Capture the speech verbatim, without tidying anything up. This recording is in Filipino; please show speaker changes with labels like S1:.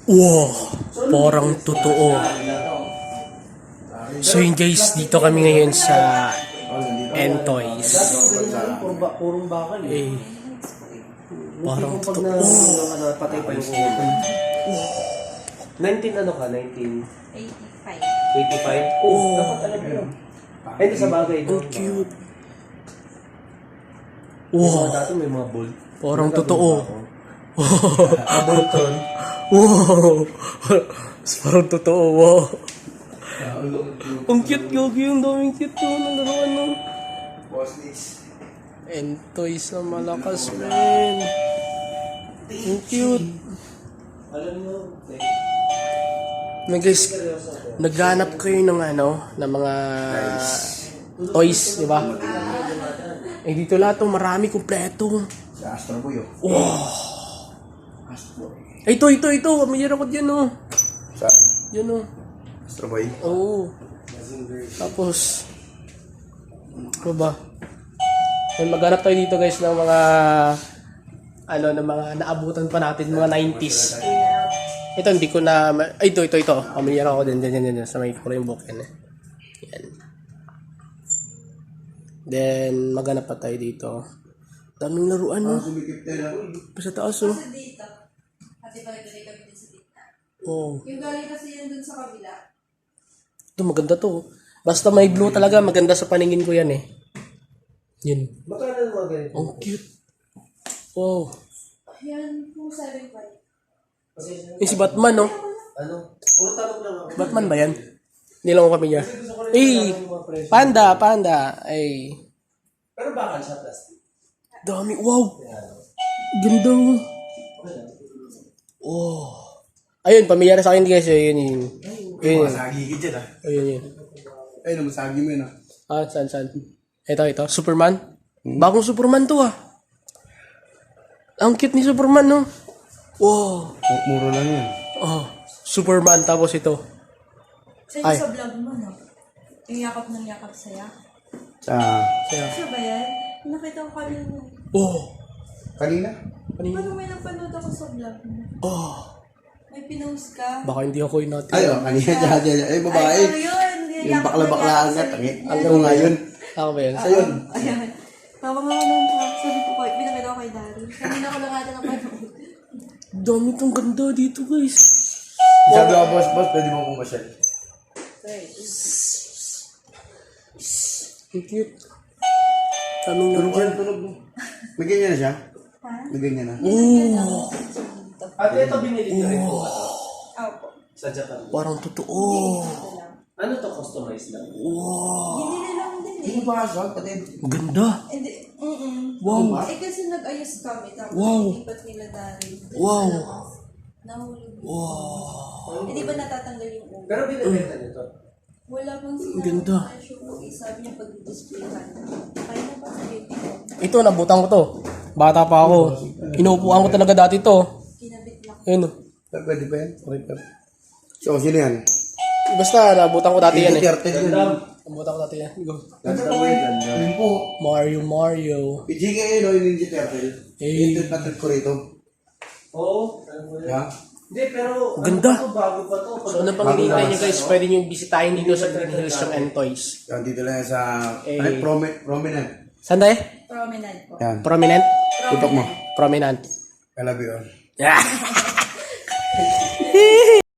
S1: Wow, parang totoo. So yun guys, dito kami ngayon sa Entoys.
S2: Purong bakal
S1: eh. Parang
S2: pag
S1: totoo.
S2: na patay pa yung ulo. nineteen ano ka? nineteen
S3: eighty-five.
S2: eighty-five? Oh, dapat alam mo. Ay, ito sa bagay.
S1: Ang cute.
S2: Wow.
S1: Wow,
S2: Dati may mga bolt.
S1: parang totoo.
S2: Mga bolton.
S1: Wow, parang totoo. Wow. Ang cute, Gogi. Ang daming cute to. Ang laruan no. Entoys na malakas, man. Ang cute.
S2: Alam mo,
S1: Na guys, naghanap kayo ng ano, ng mga toys, di ba? Eh dito lahat to, marami kumpleto.
S4: Sa Astro Boy, oh.
S1: Wow.
S4: Astro.
S1: Ay, ito, ito, ito. Mayroon ako dyan, oh.
S4: Sa
S1: Yan, oh.
S4: Astro Boy.
S1: Oo. Tapos, ano ba? Ay, maghanap tayo dito, guys, ng mga, ano, ng mga naabutan pa natin, mga nineties. Ito, hindi ko na, ay, ito, ito, ito. Pamilyar ako din, din, din, din, sa may kulay yung book yan, eh. Yan. Then, maghanap pa tayo dito. Daming laruan, no?
S4: Sumikip tayo.
S1: Sa taas, oh.
S3: Sa dito. Kasi pala tuloy kami din sa dito.
S1: Oh.
S3: Yung galing kasi yan dun sa kabila.
S1: Ito, maganda to. Basta may blue talaga, maganda sa paningin ko yan, eh. Yun.
S2: magkano yung mga ganito?
S1: Ang cute. Wow.
S3: Yan po seven five.
S1: Eh, si Batman, no?
S2: Ano? Puro tanong lang ako.
S1: Batman ba yan? Hindi lang ako kami niya. Eh, panda, panda. Ay,
S2: Pero bakal siya plastic.
S1: dami. Wow. Ganda. Oh. Ayun, pamilyar sa akin guys. Ayun, yun. Ayun, yun.
S4: Masagi ka dyan, ah.
S1: Ayun, yun.
S4: Ayun, masagi mo yun, ah.
S1: Ah, saan, saan? Ito, ito. Superman. Bagong Superman to, ah. Ang cute ni Superman, no? Wow.
S4: Oh, muro lang yan.
S1: Oh, Superman. Tapos ito.
S3: Sa
S1: Ay.
S3: sa vlog mo, no? Yung yakap ng yakap saya.
S4: Sa...
S1: Kaya,
S3: Sa ba yan? Nakita ko kanina.
S1: oh.
S4: Kanina?
S1: Kanina.
S3: Parang may napanood ako sa vlog mo.
S1: Oh.
S3: May pinost ka.
S1: Baka hindi ako yung natin.
S4: Ay, oh, kanina dyan, dyan. Ay, babae.
S3: Ay, ano yun?
S4: Yung bakla-bakla agad. Tangit. Alam mo nga yun.
S1: Ako ba yun?
S4: Sa yun.
S3: Ayan. Tawa nga ako nung sabi ko, "Koy, pinakita ko kay Dari." Kanina ko lang ata napanood.
S1: Dami tong ganda dito, guys.
S4: Sabi ko, boss, boss, pwede mo kong masyal.
S1: Ang cute. Daming
S4: Tulog
S1: laruan.
S4: yan, tulog mo. May ganyan na siya?
S3: Ha?
S4: May ganyan na.
S1: Oh.
S2: At ito binili niyo rin po.
S3: Opo.
S2: Sa Japan.
S1: Parang totoo.
S3: Ito lang.
S2: Ano to customized lang?
S1: Wow.
S3: Binili lang din
S4: Hindi
S3: eh.
S4: mo pa kasal, patid.
S1: Ganda.
S3: Hindi. Mm-mm.
S1: Wow.
S3: Eh kasi nag-ayos kami. Tapos
S1: Wow.
S3: ilipat nila Dari.
S1: Wow.
S3: Nahulog.
S1: Wow.
S3: Hindi ba natatanggal yung ulo?
S2: Pero binibenta niyo to.
S3: Wala pang
S1: Ang ganda.
S3: presyo po. Sabi niya pag-display ka na. Kaya na ba sa YouTube?
S1: Ito, nabutan ko to. Bata pa ako. Inuupuan ko talaga dati to.
S3: Kinabit lang.
S1: Ayun. oh.
S4: Pwede pa yan? Okay pa. So, sino yan?
S1: Basta, nabutan ko dati yan eh.
S4: Turtle yun.
S1: Nabutan ko dati yan. Go.
S4: Ganda po yun. Yun po.
S1: Mario, Mario.
S4: P G K yun, no, yung Ninja Turtle.
S1: Eh.
S4: Ito na ko rito.
S2: Oo. Ano mo yun?
S4: Yeah.
S2: Hindi, pero
S1: Ganda.
S2: ano pa to, bago pa to.
S1: So, ano pang hinihintay nyo guys, pwede nyo bisitahin dito sa Green Hills yung Entoys.
S4: Yan, dito lang yan sa...
S1: Eh.
S4: Ay, promi prominent.
S1: Saan tayo?
S3: Promenade po.
S4: Yan.
S1: Prominent?
S4: Tutok mo.
S1: Prominent.
S4: I love you all.
S1: Yeah.